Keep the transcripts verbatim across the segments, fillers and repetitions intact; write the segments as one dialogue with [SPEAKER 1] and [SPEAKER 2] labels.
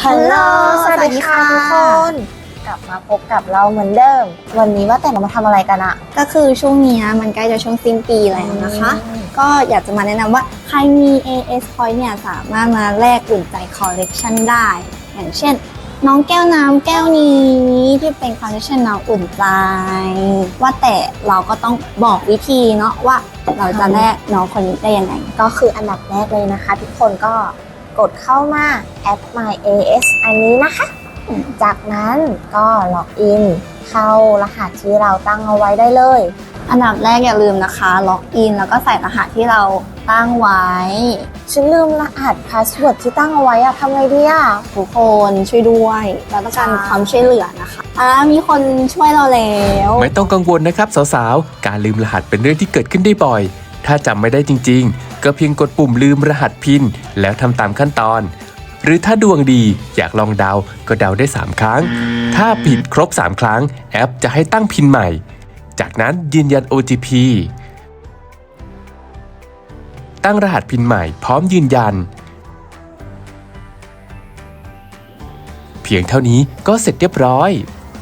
[SPEAKER 1] ฮัลโหลสวัสดีค่ะทุกคนกลับมาพบกับเราเหมือนเดิมวันนี้ว่าแต่เรามาทำอะไรกันอะ
[SPEAKER 2] ก็คือช่วงนี้มันใกล้จะช่วงสิ้นปีแล้วนะคะ ก็อยากจะมาแนะนำว่าใครมี เอ เอส Point เนี่ยสามารถมาแลกอุ่นใจคอลเลกชันได้ อย่างเช่นน้องแก้วน้ำแก้วนี้ที่เป็นคอลเลกชันน้องอุ่นใจว่าแต่เราก็ต้องบอกวิธีเนาะว่าเราจะแลกน้องคนนี้ได้ยังไง
[SPEAKER 1] ก็คืออันดับแรกเลยนะคะ ทุกคนก็กดเข้ามาแอป My เอ เอส อันนี้นะคะจากนั้นก็ล็อกอินเข้ารหัสที่เราตั้งเอาไว้ได้เลย
[SPEAKER 2] อันดับแรกอย่าลืมนะคะล็อกอินแล้วก็ใส่รหัสที่เราตั้งไว้
[SPEAKER 1] ฉันลืมรหัสพาสเวิร์ดที่ตั้งเอาไว้อะทำไงดีอะ
[SPEAKER 2] ทุกคนช่วยด้วยเราต้องการความช่วยเหลือนะคะอ่ามีคนช่วยเราแล้ว
[SPEAKER 3] ไม่ต้องกังวลนะครับสาวๆการลืมรหัสเป็นเรื่องที่เกิดขึ้นได้บ่อยถ้าจำไม่ได้จริงๆก็เพียงกดปุ่มลืมรหัสพินแล้วทำตามขั้นตอนหรือถ้าดวงดีอยากลองเดาก็เดาได้สามครั้งถ้าผิดครบสามครั้งแอปจะให้ตั้งพินใหม่จากนั้นยืนยัน โอ ที พี ตั้งรหัสพินใหม่พร้อมยืนยันเพียงเท่านี้ก็เสร็จเรียบร้อย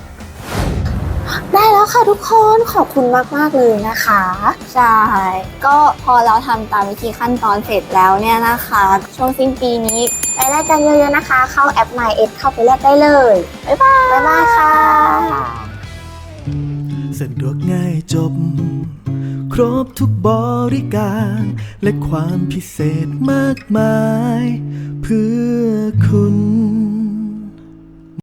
[SPEAKER 1] ได้แล้วค่ะทุกคนขอบคุณมากๆเลยนะคะ
[SPEAKER 2] ใช่ก็พอเราทำตามวิธีขั้นตอนเสร็จแล้วเนี่ยนะคะช่วงสิ้นปีนี้
[SPEAKER 1] ไปแลกกันเยอะๆนะคะเข้าแอป My เอ เอส เข้าไปแลกได้เลย
[SPEAKER 2] บ๊ายบาย
[SPEAKER 1] บ๊ายบายค่ะ
[SPEAKER 4] สะดวกง่ายจบครบทุกบริการและความพิเศษมากมายเพื่อคุณ